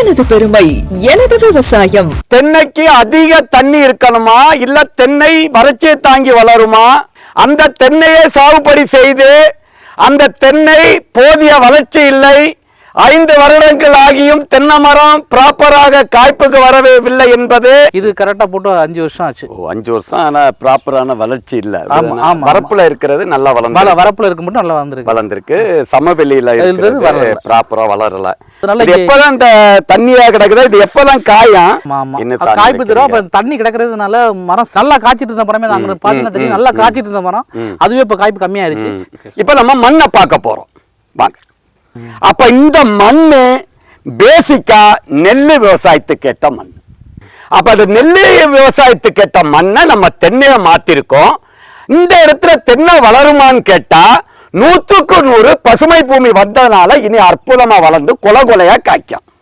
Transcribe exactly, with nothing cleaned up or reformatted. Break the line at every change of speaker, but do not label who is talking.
எனது பெருமை எனது விவசாயம்.
தென்னைக்கு அதிக தண்ணி இருக்கணுமா இல்ல தென்னை வறட்சியை தாங்கி வளருமா? அந்த தென்னையை சாகுபடி செய்து அந்த தென்னை போதிய வளர்ச்சி இல்லை, ஐந்து வருடங்கள் ஆகியும் தென்னை மரம் ப்ராப்பராக காய்ப்புக்கு வரவில்லை என்பது.
இது கரெக்டா போட்டு அஞ்சு வருஷம் ஆச்சு.
ஓ, அஞ்சு வருஷம். ஆனா ப்ராப்பரான வளர்ச்சி இல்ல.
ஆமா, ஆமா.
வரப்புல இருக்கிறது நல்லா வளர்ந்து
வரப்புல இருக்கு மட்டும் நல்லா வளர்ந்துருக்கு
வளர்ந்துருக்கு சமவெளியில இருக்கிறது ப்ராப்பரா வளரல.
அதனால
எப்பதான் இந்த தண்ணியா கிடக்குதோ இது எப்பதான் காயும்
காய்ப்பு தரும். அப்ப தண்ணி கிடக்குறதுனால மரம் நல்லா காய்ச்சிட்டு இருந்த மரமே நாங்க பாத்தீங்கன்னா தெரியும், நல்லா காய்ச்சிட்டு இருந்த மரம் அதுவே இப்ப காய்ப்பு கம்மியாயிருச்சு.
இப்ப நம்ம மண்ணை பார்க்க போறோம் வாங்க. அப்ப இந்த மண்ணு பேசிக்கா நெல்லு விவசாயத்துக்கு ஏற்ற மண். அப்ப அது நெல்லு விவசாயத்துக்கு ஏற்ற மண்ணை நம்ம தென்னையை மாத்திருக்கோம். இந்த இடத்துல தென்னை வளருமான்னு கேட்டா நூற்றுக்கு நூறு பசுமை பூமி வந்ததுனால இனி அற்புதமா வளர்ந்து கொலை கொலையா காய்க்கும்.